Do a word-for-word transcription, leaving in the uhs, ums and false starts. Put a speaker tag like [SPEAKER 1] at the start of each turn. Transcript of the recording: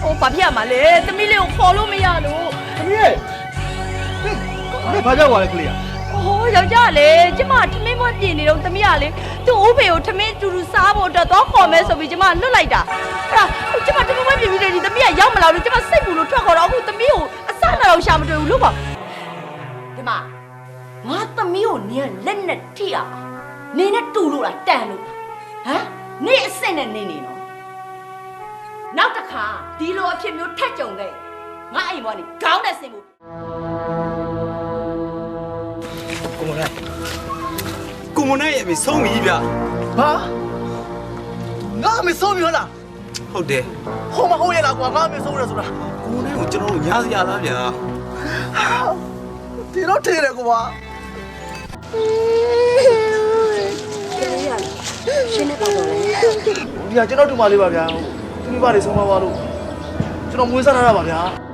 [SPEAKER 1] ဟိုဘာဖြစ်ရမှာလဲသမီးလေးကိုခေါ်လို့မရလို့
[SPEAKER 2] သမီးရဲ့你ဘာကြောက်ပါလဲကလေး
[SPEAKER 1] ဟိုယောက်ျားလေကျမထမင်းမွက်ပြင်နေတော့သမီးကလေသူ့ဥဖေကိုထမင်းတူတူစားဖို့အတွက်တော့ခေါ်မဲဆိုပြီးကျမလွတ်လိုက်တာအဲ့ဒါကျမထမင်းမွက်ပြင်ပြီးတယ်ဒီသမီးကရောက်မလာလို့ကျမစိတ်ပူလို့ထွက်ခေါ်တော့အခုသမီးကိုအစနာတော့ရှာမတွေ့ဘူးလို့ပေါ့ဒီမှာငါသမီးကိုနင်ကလက်နဲ့ထိရအောင်နင်နဲ့တူလို့လားတန်လို့ဟမ်နင်အစ်စ်နဲ့နင်နေနော်နောက်တစ်ခါဒီလိုအဖြစ်မျိုးထက်ကြုံခဲ့ငါအိမ်ပေါ်နေခေါင်းနဲ့ဆင်ဖို့
[SPEAKER 2] ကိုမနဲ့
[SPEAKER 3] ကိုမနဲ့ရဲ့အမေဆုံးပြီဗျ
[SPEAKER 2] ဟာငါအမေဆုံးပြီဟုတ်လား
[SPEAKER 3] ဟုတ်တယ်
[SPEAKER 2] ဟိုမဟုတ်ရလားကွာငါအမေဆုံးရဆိုတာ
[SPEAKER 3] ကိုမနဲ့ကိုကျွန်တော်တို့ညားစရာလားဗျာ
[SPEAKER 2] ဒီတော့ထေးတယ်ကွာ
[SPEAKER 1] ရှင်းနေပါတော့လေ
[SPEAKER 2] ဒီကကျွန်တော်တူမလေးပါဗျာသူမိဘတွေဆုံးမပါလို့ကျွန်တော်မွေးစားထားတာပါဗျာ